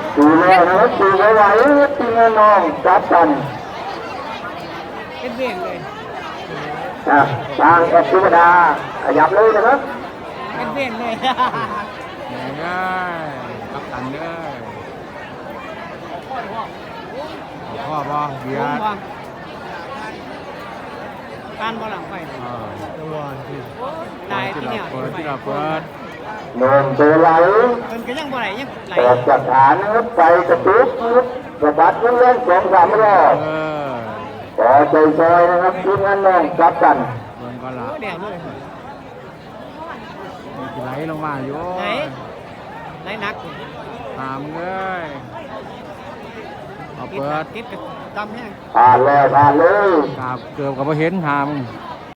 ดูแลนะครับดูไว้ไว้ทีมน้องจับกันเป็นเบี่ยงเลยทางแอดธิวดาขยับเลยนะครับเป็นเบี่ยงเลยได้กับตันเด้อพ่อบอเบียร์การบอลหลังไปตัวที่ตายที่เนี่ยเปิดที่เราเปิดนมตัวไหลมันก็ยังบ่ไหลยังไหลออกจากฐานนะครับไปกระตุ้นกระบัดเล่น2-3 รอบต่อใจซอยนะครับทีมงานน้องจับกันเดินก็ละเดี๋ยวเลยไหลลงมาอยู่ไหลนักตามเลยเอาเปิดติดจำแห้งผ่านแล้วผ่านเลยกับเกือบกับเห็นหาม